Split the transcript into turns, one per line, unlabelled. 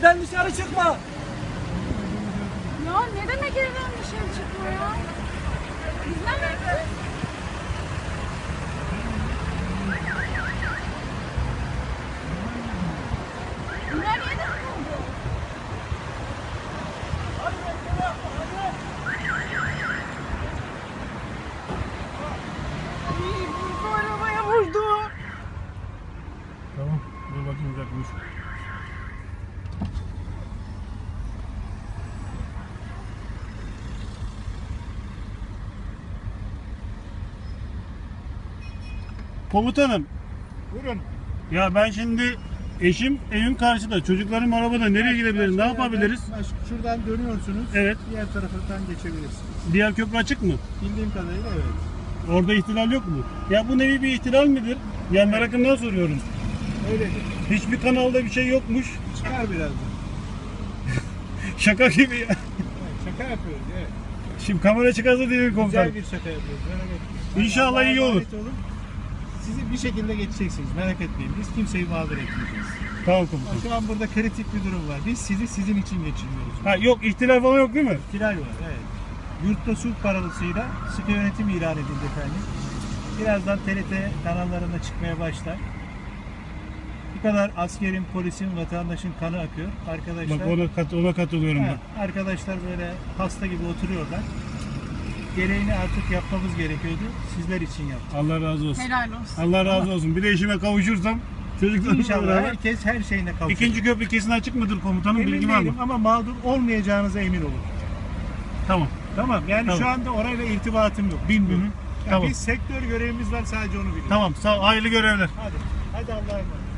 Evden dışarı çıkma.
Ya ne demek evden dışarı çıkma ya? Biz ne yaptık? Bunlar yedi mi oldu? Ay, bu arabaya vurdu.
Tamam. Dur bakayım uzakmış. Komutanım.
Buyurun.
Ya ben şimdi eşim evin karşıda. Çocuklarım arabada. Nereye gidebiliriz? Ne yapabiliriz?
Şuradan dönüyorsunuz.
Evet.
Diğer taraftan geçebilirsiniz.
Diğer köprü açık mı?
Bildiğim kadarıyla evet.
Orada ihtilal yok mu? Ya bu nevi bir ihtilal midir? Ya merakımdan soruyorum.
Öyledir.
Hiçbir kanalda bir şey yokmuş.
Çıkar birazdan.
Şaka gibi ya.
Evet, şaka yapıyoruz evet.
Şimdi kamera çıkarsa değil mi komutanım?
Güzel bir şaka yapıyoruz. Merak etmeyin.
İnşallah
Allah'a
iyi olur.
emanet olun. Sizi bir şekilde geçeceksiniz. Merak etmeyin. Biz kimseyi mağdur etmeyeceğiz.
Tamam komutanım.
Şu an burada kritik bir durum var. Biz sizi sizin için geçirmiyoruz.
Ha yok ihtilal falan yok değil mi?
Kiraj var evet. Yurtta sulh paralısıyla sıkı yönetim ilan edildi efendim. Birazdan TRT kanallarında çıkmaya başlar. Bu kadar askerin, polisin, vatandaşın kanı akıyor. Arkadaşlar,
Bak ona katılıyorum
ha,
ben.
arkadaşlar böyle hasta gibi oturuyorlar. Gereğini artık yapmamız gerekiyordu. Sizler için yaptık.
Allah razı olsun.
Helal olsun.
Allah razı olsun. Bir de eşime kavuşursam çocuklarımla
İnşallah
beraber.
herkes her şeyine kavuşacak.
İkinci köprü kesin açık mıdır komutanım?
Emin
Bilgi var mı?
değilim ama mağdur olmayacağınıza emin olun.
Tamam.
Tamam yani
Tamam.
şu anda orayla irtibatım yok. Bilmiyorum.
Hı hı.
Yani
Tamam.
Biz sektör görevimiz var sadece onu biliyoruz.
Tamam. Sağ ol. Hayırlı görevler.
Hadi. Hadi Allah'a emanet.